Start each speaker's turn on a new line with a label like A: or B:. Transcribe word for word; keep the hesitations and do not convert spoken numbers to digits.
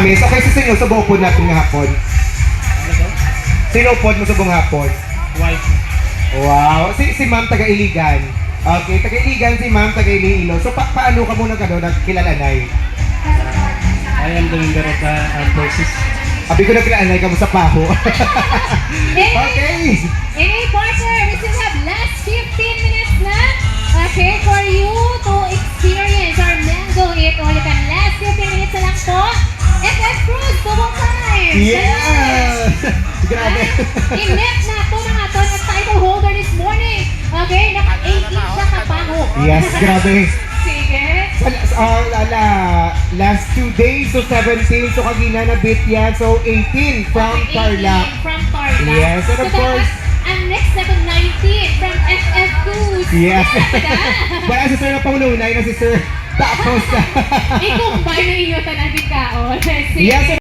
A: Promise. Okay, so sino sa buong pod natin nga hapon? Sino pod mo sa buong hapon?
B: Wife.
A: Wow. Si, si ma'am taga-Iligan. Okay, taga-Iligan si ma'am taga-Iloilo. So pa paano ka muna ka doon nagkilalanay?
B: I am the member of the armed forces.
A: Abi ko nagkilalanay ka mo sa paho.
C: Hey,
A: Okay.
C: Any partner, we still have last fifteen minutes na. Okay, for you to experience our mango hit. Ulitan, last fifteen minutes na lang po. F F Cruz, double time.
A: Yeah! Grabe.
C: I-net na ito mga ito ng title holder this morning. Okay, naka-eighteen siya kapaho.
A: Yes, grabe.
C: Sige.
A: Uh, lala, last two days, so seventeen, so kagina na bit yan, so eighteen from
C: Okay,
A: Tarlac.
C: eighteen From Tarlac.
A: Yes, and of
C: so
A: course-
C: dapat, ang next na nineteen from F F Cruz.
A: Yes.
C: Diba?
A: Wala si Sir na paununay na si Sir Tapos.
C: I-combine na inyo sa nabigkaon.
A: Yes,